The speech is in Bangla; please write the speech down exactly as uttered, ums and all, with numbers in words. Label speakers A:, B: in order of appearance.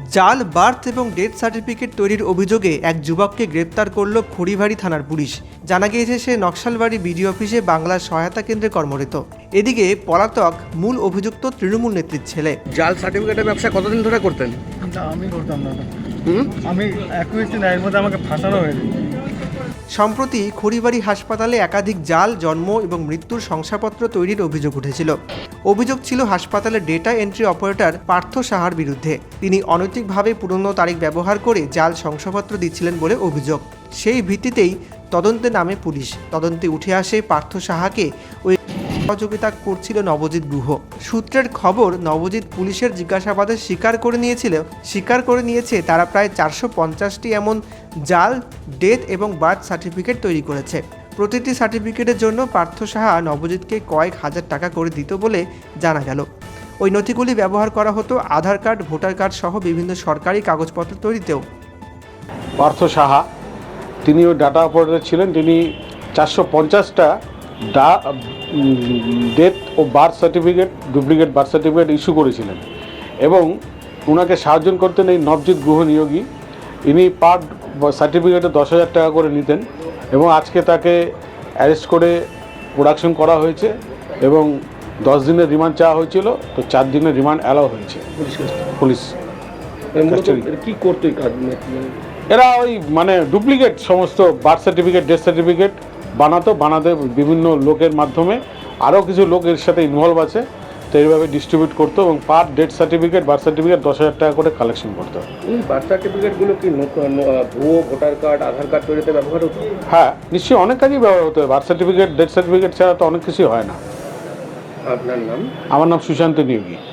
A: জাল বার্থ এবং ডেথ সার্টিফিকেট তৈরির অভিযোগে এক যুবককে গ্রেপ্তার করল খড়িবাড়ি থানার পুলিশ। জানা গিয়েছে সে নকশালবাড়ি বিডিও অফিসে বাংলার সহায়তা কেন্দ্রে কর্মরত। এদিকে পলাতক মূল অভিযুক্ত তৃণমূল নেত্রীর ছেলে।
B: জাল সার্টিফিকেটের ব্যবসা কতদিন ধরে করতেন?
C: আমি করতাম না।
B: হুম
C: আমি একুশ দিন এর মধ্যে আমাকে ফাঁসানো হয়েছে।
A: সম্প্রতি খড়িবাড়ি হাসপাতালে একাধিক জাল জন্ম এবং মৃত্যুর শংসাপত্র তৈরির অভিযোগ উঠেছিল। অভিযোগ ছিল হাসপাতালের ডেটা এন্ট্রি অপারেটর পার্থ সাহার বিরুদ্ধে। তিনি অনৈতিকভাবে পুরনো তারিখ ব্যবহার করে জাল শংসাপত্র দিচ্ছিলেন বলে অভিযোগ। সেই ভিত্তিতেই তদন্তে নামে পুলিশ। তদন্তে উঠে আসে পার্থ সাহাকে ওই সহযোগিতা করছিল নবজিৎ গুহ। সূত্রের খবর, নবজিৎ পুলিশের জিজ্ঞাসাবাদে স্বীকার করে নিয়েছিল স্বীকার করে নিয়েছে তারা প্রায় চারশো পঞ্চাশটি এমন জাল ডেথ এবং বার্থ সার্টিফিকেট তৈরি করেছে। প্রতিটি সার্টিফিকেটের জন্য পার্থ সাহা নবজিৎকে কয়েক হাজার টাকা করে দিত বলে জানা গেল। ওই নথিগুলি ব্যবহার করা হতো আধার কার্ড, ভোটার কার্ড সহ বিভিন্ন সরকারি কাগজপত্র তৈরিতেও।
D: পার্থ সাহা তিনিও ডাটা অপারেটর ছিলেন। তিনি চারশো পঞ্চাশটা ডা ডেথ ও birth certificate, duplicate birth certificate issue করেছিলেন এবং ওনাকে সাহায্য করতেন এই নবজিৎ গুহ নিয়োগী। ইনি পার সার্টিফিকেটে দশ হাজার টাকা করে নিতেন এবং আজকে তাকে অ্যারেস্ট করে প্রোডাকশন করা হয়েছে এবং দশ দিনের রিমান্ড চাওয়া হয়েছিল, তো চার দিনের রিমান্ড অ্যালাউ হয়েছে পুলিশ।
B: কি করতে
D: এরা ওই মানে ডুপ্লিকেট সমস্ত বার্থ সার্টিফিকেট, ডেথ সার্টিফিকেট বানাতো, বানাতে বিভিন্ন লোকের মাধ্যমে আরও কিছু লোক এর সাথে ইনভলভ আছে, তো এইভাবে ডিস্ট্রিবিউট করতো এবং per death certificate, birth certificate দশ হাজার টাকা করে কালেকশন করতো।
B: এই বার্থ সার্টিফিকেটগুলো কি ভুয়ো ভোটার কার্ড, আধার কার্ড তৈরিতে ব্যবহার হতো?
D: হ্যাঁ, নিশ্চয়ই অনেক কাজই ব্যবহার হতো। বার্থ সার্টিফিকেট, ডেথ সার্টিফিকেট ছাড়া তো অনেক কিছুই হয় না।
B: আপনার নাম?
D: আমার নাম সুশান্ত নিয়োগী।